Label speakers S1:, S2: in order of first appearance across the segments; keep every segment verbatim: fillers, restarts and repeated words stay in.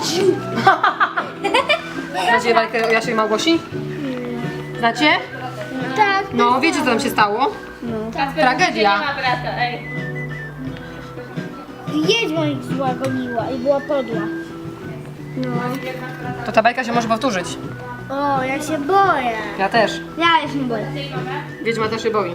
S1: Znacie bajkę o Jasie i Małgosi? Znacie?
S2: Tak.
S1: No, wiecie co tam się stało? Tragedia.
S2: Wiedźma ich zła goniła i była podła. No.
S1: To ta bajka się może powtórzyć.
S2: O, ja się boję.
S1: Ja też.
S2: Ja się boję.
S1: Wiedźma też się boi.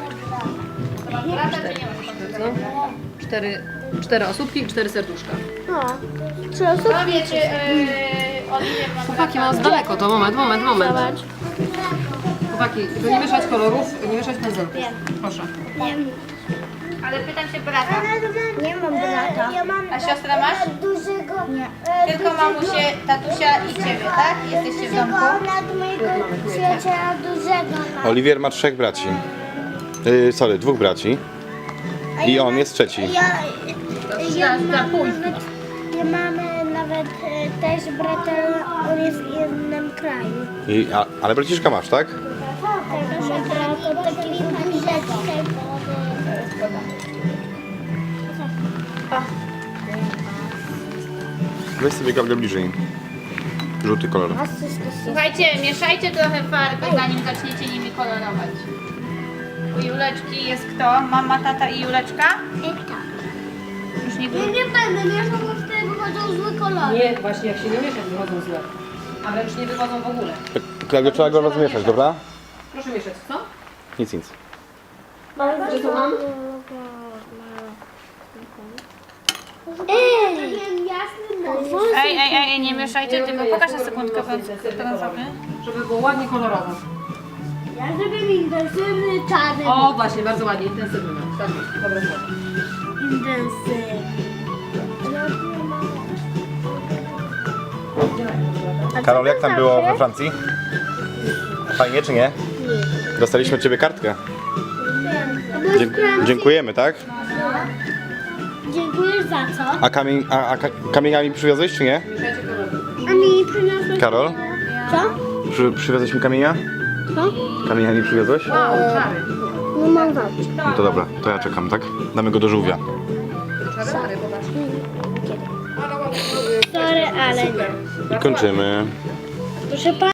S1: Cztery, cztery osóbki i cztery serduszka.
S2: No. Trzy osoby.
S3: Powie, czy yy, Oliwier ma
S1: Chłopaki, mam z daleko to. Moment, moment, moment.
S2: Zobacz.
S1: Chłopaki, żeby nie mieszać kolorów, nie mieszać pędzelków. Proszę.
S3: Ale pytam się brata.
S2: Nie mam brata. Ja mam
S3: A siostrę masz?
S2: dużego. Nie.
S3: Tylko mamusię, tatusia i ciebie, tak? Jesteście w domku?
S2: Nad mojego przyjaciela dużego mam.
S4: Oliwier ma trzech braci. Yy, sorry, dwóch braci. I on jest trzeci.
S2: Ja, ja, mam nawet, ja mamy nawet e, też brata, on jest w innym kraju.
S4: I, a, ale braciszka masz, tak?
S2: Tak, że brat od takiego dużego.
S4: Weź sobie kawkę bliżej. Żółty kolor.
S3: Słuchajcie, mieszajcie trochę farby, zanim zaczniecie nimi kolorować. U Juleczki jest kto? Mama, tata i Juleczka? Już nie
S2: Ja
S3: było.
S2: nie będę mieszał, bo wtedy wychodzą złe kolory.
S1: Nie, właśnie jak się nie miesza, wychodzą złe. A wręcz nie wychodzą w ogóle.
S4: Klaudio, trzeba go rozmieszać, dobra?
S1: Proszę mieszać, co?
S4: Nic, nic.
S1: Że to mam?
S2: Ej!
S3: Ej, ej, ej, nie mieszajcie, tylko pokaż na sekundkę brązowy.
S1: Żeby było ładnie kolorowo.
S2: Ja zrobię intensywny czarny.
S1: O, właśnie, bardzo ładnie, intensywny. Tak jest, dobre słowo.
S2: Intensywny.
S4: Karol, jak tam było we Francji? Fajnie czy nie? Dostaliśmy od ciebie kartkę. Dzie dziękujemy, tak?
S2: Dziękujesz za co?
S4: A, kamień, a, a ka kamieniami przywiozłeś czy nie?
S2: A mi przyniosłeś...
S4: Karol?
S2: Co?
S4: Przy, przywiozłeś mi kamienia?
S2: Co?
S4: Kamieniami przywiozłeś?
S1: Wow, czary.
S2: No mam wam.
S4: No to dobra, to ja czekam, tak? Damy go do żółwia.
S1: Czary, popatrz.
S2: Sorry, ale nie.
S4: I kończymy.
S2: Proszę pana.